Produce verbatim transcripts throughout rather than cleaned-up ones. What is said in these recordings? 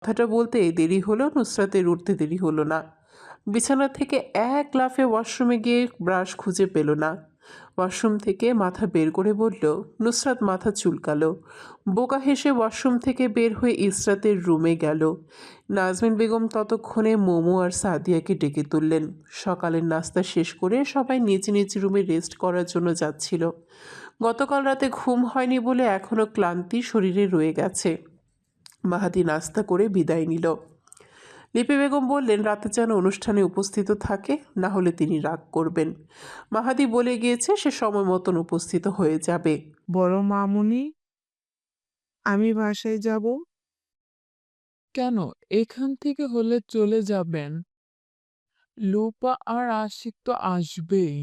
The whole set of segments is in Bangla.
কথাটা বলতে দেরি হলো, নুসরাতের উঠতে দেরি হলো না। বিছানা থেকে এক লাফে ওয়াশরুমে গিয়ে ব্রাশ খুঁজে পেল না। ওয়াশরুম থেকে মাথা বের করে বলল, নুসরাত মাথা চুলকালো। বোকা হেসে ওয়াশরুম থেকে বের হয়ে ইসরাতের রুমে গেল। নাজমিন বেগম ততক্ষণে মোমো আর সাদিয়াকে ডেকে তুললেন। সকালের নাস্তা শেষ করে সবাই নিজ নিজ রুমে রেস্ট করার জন্য যাচ্ছিল। গতকাল রাতে ঘুম হয়নি বলে এখনও ক্লান্তি শরীরে রয়ে গেছে। মাহাদি নাস্তা করে বিদায় নিল। লিপি বেগম বললেন, রাতে যেন অনুষ্ঠানে উপস্থিত থাকে, না হলে তিনি রাগ করবেন। মাহাদি বলে গিয়েছে সে সময় মতন উপস্থিত হয়ে যাবে। বড় মামুনি, আমি বাসায় যাব। কেন? এখান থেকে হলে চলে যাবেন। লোপা আর আশিক তো আসবেই।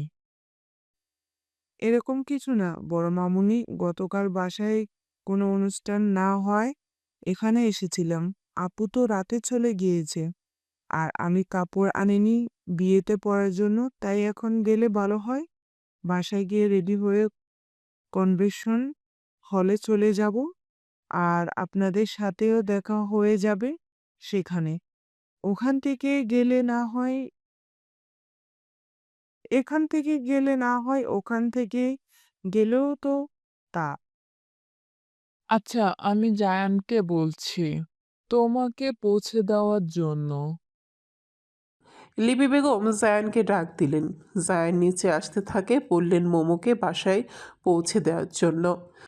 এরকম কিছু না বড় মামুনি, গতকাল বাসায় কোনো অনুষ্ঠান না হয় এখানে এসেছিলাম। আপু তো রাতে চলে গিয়েছে, আর আমি কাপড় আনিনি বিয়েতে পরার জন্য, তাই এখন গেলে ভালো হয়। বাসায় গিয়ে রেডি হয়ে কনভেনশন হলে চলে যাব, আর আপনাদের সাথেও দেখা হয়ে যাবে সেখানে। ওখান থেকে গেলে না হয় এখান থেকে গেলে না হয় ওখান থেকে গেলেও তো তা। আচ্ছা, আমি জায়ানকে বলছি তোমাকে পৌঁছে দেওয়ার জন্য। লিপি বেগম জায়ানকে ডাক দিলেন। জায়ান নিচে আসতে থাকে, বললেন মোমোকে বাসায় পৌঁছে দেওয়ার জন্য।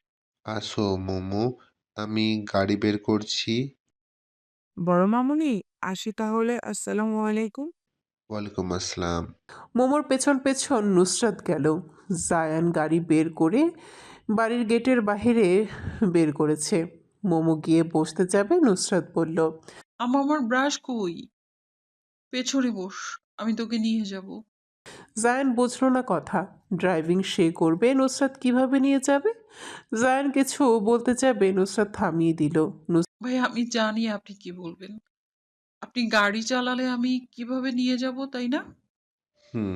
আসো মোমো, আমি গাড়ি বের করছি। বড় মামুনি, আসি তাহলে। আসসালামু আলাইকুম। ওয়ালাইকুম আসসালাম। মোমোর পেছন পেছন নুসরাত গেল। জায়ান গাড়ি বের করে বাড়ির গেটের বাইরে বের করেছে। মোমো গিয়ে বসতে যাবে, নুসরাত বলল, আমা আমার ব্রাশ কই? পেছনে বস, আমি তোকে নিয়ে যাব। জায়ান বুঝল না কথা। ড্রাইভিং সে করবে, নুসরাত কিভাবে নিয়ে যাবে? জায়ান কিছু বলতে যাবে, নুসরাত থামিয়ে দিল। ভাই আমি জানি আপনি কি বলবেন। আপনি গাড়ি চালালে আমি কিভাবে নিয়ে যাব, তাই না? হুম।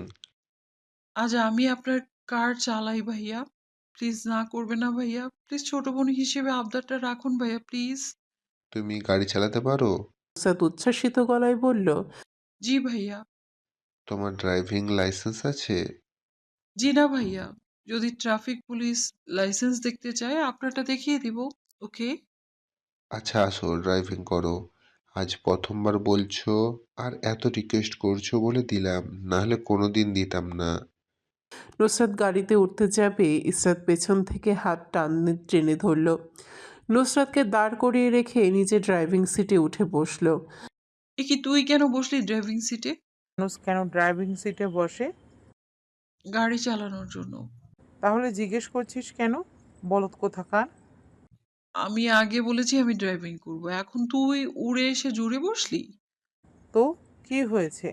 আজ আমি আপনার কার চালাই ভাইয়া। প্লিজ না করবে না ভাইয়া। প্লিজ ছোট বোন হিসেবে আবদারটা রাখুন ভাইয়া, প্লিজ। তুমি গাড়ি চালাতে পারো? নুসরাত উচ্ছ্বাসিত গলায় বলল, জি ভাইয়া। তোমার ড্রাইভিং লাইসেন্স আছে? জি না ভাইয়া। যদি ট্রাফিক পুলিশ লাইসেন্স দেখতে চায় আপনারটা দেখিয়ে দিব। ওকে? আচ্ছা আসো, ড্রাইভিং করো। আজ প্রথমবার বলছো আর এত রিকোয়েস্ট করছো বলে দিলাম, না হলে কোনোদিন দিতাম না। নুসরাত গাড়িতে উঠতে যাবে, ইসরাত পেছন থেকে হাত টানতে টেনে ধরল। নুসরাতকে দাঁড় করিয়ে রেখে নিজে ড্রাইভিং সিটে উঠে বসল। এ কি তুই কেন বসলি ড্রাইভিং সিটে? মানুষ কেন ড্রাইভিং সিটে বসে? গাড়ি চালানোর জন্য। তাহলে জিজ্ঞেস করছিস কেন, বলদ কোথাকার? আমি আগে বলেছি আমি ড্রাইভিং করব। এখন তুই উড়ে এসে জুড়ে বসলি? তো কি হয়েছে?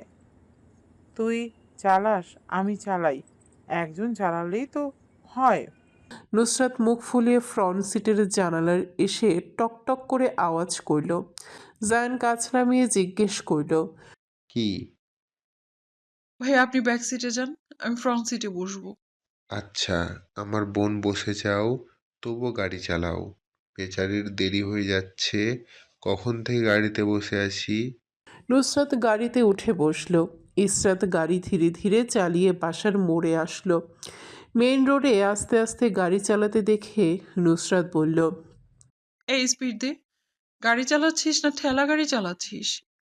তুই চালাস, আমি চালাই, একজন চালালেই তো হয়। নুসরাত মুখ ফুলিয়ে ফ্রন্ট সিটের জানালার এসে টক টক করে আওয়াজ করল। জায়ান কাছ নামিয়ে জিজ্ঞেস করল, কি? ভাই আপনি ব্যাক সিটে যান, আমি ফ্রন্ট সিটে বসবো। আচ্ছা, আমার বোন বসে যাও, তবুও গাড়ি চালাও। বেচারির দেরি হয়ে যাচ্ছে, কখন থেকে গাড়িতে বসে আছি। নুসরাত গাড়িতে উঠে বসল। ইসরাত গাড়ি ধীরে ধীরে চালিয়ে বাসার মোড়ে আসলো। মেইন রোডে আস্তে আস্তে গাড়ি চালাতে দেখে নুসরাত বলল, এই স্পিড দে। গাড়ি চালাচ্ছিস না ঠেলা গাড়ি চালাচ্ছিস?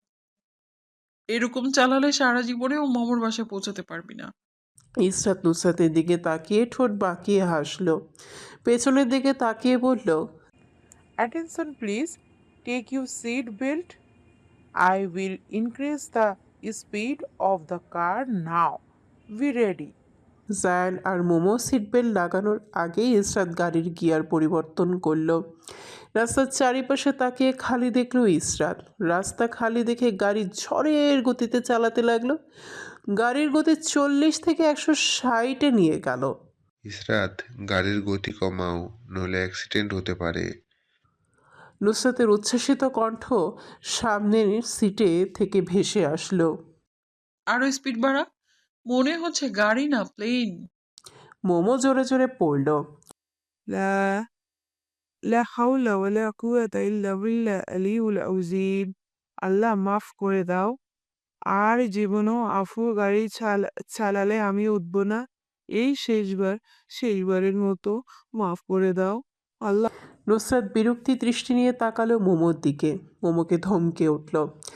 এরকম চালালে সারা জীবনেও মামার বাসায় পৌঁছাতে পারবি না। ইসরাত নুসরাতের দিকে তাকিয়ে ঠোঁট বাঁকিয়ে হাসল। পেছনের দিকে তাকিয়ে বলল, attention please, take you seat belt. I will increase the speed of the car now. Be ready. Zayan আর মোমো সিটবেল্ট লাগানোর আগেই ইসরাত গাড়ির গিয়ার পরিবর্তন করলো। রাস্তার চারিপাশে তাকিয়ে খালি দেখলো ইসরাত। রাস্তা খালি দেখে গাড়ি ঝড়ের গতিতে চালাতে লাগলো। গাড়ির গতি চল্লিশ থেকে একশো ষাটে নিয়ে গেল। ইসরাত, গাড়ির গতি কমাও, নইলে অ্যাক্সিডেন্ট হতে পারে। নুসরাতের উচ্ছ্বাসিত কণ্ঠ সামনের সিটে থেকে ভেসে আসলো। আরো স্পিড বাড়া। মনে হচ্ছে গাড়ি না প্লেন। মোমো জোরে জোরে পড়ল। লা লা হাওলা ওয়ালা কুওয়াতা ইল্লা বিল্লাহ আলিউল আযীম। আল্লাহ মাফ করে দাও। আর জীবনেও আফু গাড়ি চালা চালালে আমি উঠব না। এই শেষবার, শেষবারের মতো মাফ করে দাও। আল্লাহ নুসরাত বিরক্তি দৃষ্টি নিয়ে তাকালো মোমোর দিকে। মোমোকে ধমকে উঠল।